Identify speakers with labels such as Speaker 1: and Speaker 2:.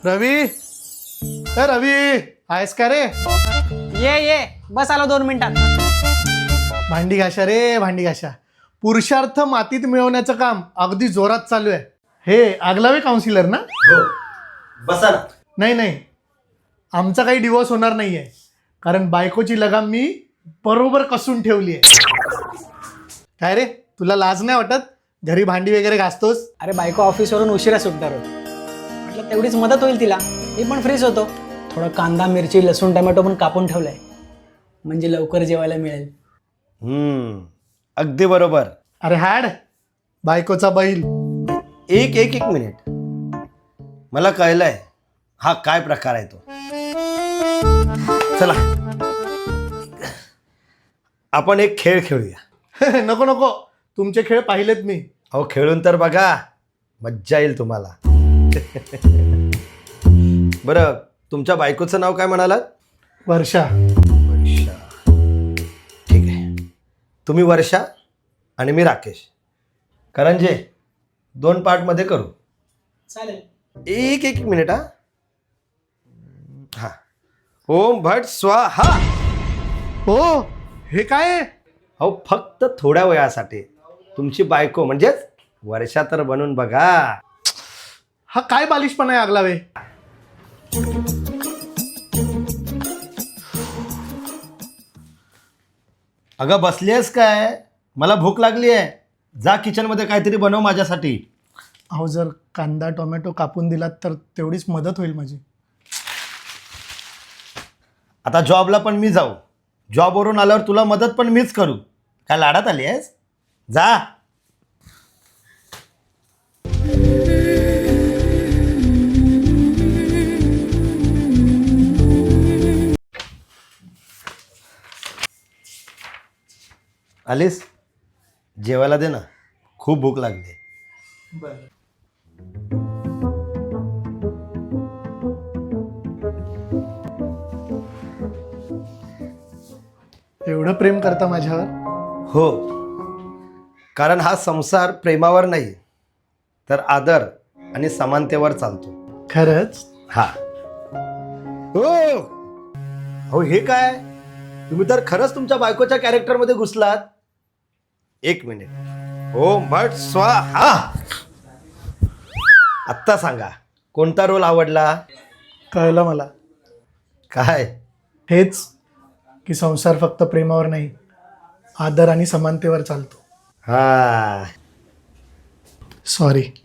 Speaker 1: रवी, ए रवी, आहेस का रे?
Speaker 2: ये बस आलो 2 मिनिटात.
Speaker 1: भांडी घाशा रे, भांडी घाशा. पुरुषार्थ मातीत मिळवण्याचं काम अगदी जोरात चालू आहे. हे आगलावे काउन्सिलर ना?
Speaker 3: हो बसा ना.
Speaker 1: नाही, आमचा काही डिवोर्स होणार नाहीये, कारण बायकोची लगाम मी बरोबर कसून ठेवली आहे. काय रे, तुला लाज नाही वाटत? घरी भांडी वगैरे घासतोस?
Speaker 2: अरे बायको ऑफिसवरून उशिरा सुटणार होती, म्हटलं तेवढीच मदत होईल तिला. मी पण फ्रीच होतो. थोडं कांदा मिरची लसूण टमॅटो पण कापून ठेवलाय, म्हणजे लवकर जेवायला मिळेल.
Speaker 3: अगदी बरोबर.
Speaker 1: अरे हाड, बायकोचा बैल.
Speaker 3: एक मिनिट, मला कळलंय हा काय प्रकार आहे तो. चला आपण एक खेळ खेळूया.
Speaker 1: नको, तुमचे खेळ पाहिलेत मी.
Speaker 3: अहो खेळून तर बघा, मज्जा येईल तुम्हाला. बरं, तुमच्या बायकोचं नाव काय म्हणालात?
Speaker 1: वर्षा.
Speaker 3: वर्षा, ठीक आहे. तुम्ही वर्षा आणि मी राकेश. करंजे 2 पार्टमध्ये करू.
Speaker 2: चालेल.
Speaker 3: एक मिनिट. हा ओम भट स्वाहा.
Speaker 1: हो, हे काय आहे?
Speaker 3: अहो फक्त थोड्या वेळासाठी तुमची बायको म्हणजेच वर्षा तर बनून बघा.
Speaker 1: हा काय बालिशपणा आहे आगलावे?
Speaker 3: अगं बसली आहेस काय? मला भूक लागली आहे. जा किचनमध्ये काहीतरी बनव माझ्यासाठी.
Speaker 1: अहो, जर कांदा टोमॅटो कापून दिलात तर तेवढीच मदत होईल माझी.
Speaker 3: आता जॉबला पण मी जाऊ. जॉबवरून आल्यावर तुला मदत पण मीच करू. काय लाडात आली आहेस? जा. आलीस? जेवायला दे ना, खूप भूक लागली.
Speaker 1: एवढं प्रेम करता माझ्यावर?
Speaker 3: हो, कारण हा संसार प्रेमावर नाही तर आदर आणि समानतेवर चालतो.
Speaker 1: खरंच?
Speaker 3: हा. हो हे काय, तुम्ही तर खरंच तुमच्या बायकोच्या कॅरेक्टरमध्ये घुसलात. 1 मिनिट. ओम भट स्वाहा. आत्ता सांगा, कोणता रोल आवडला?
Speaker 1: कळलं मला.
Speaker 3: काय?
Speaker 1: हेच की संसार फक्त प्रेमावर नाही, आदर आणि समानतेवर चालतो.
Speaker 3: हा.
Speaker 1: सॉरी.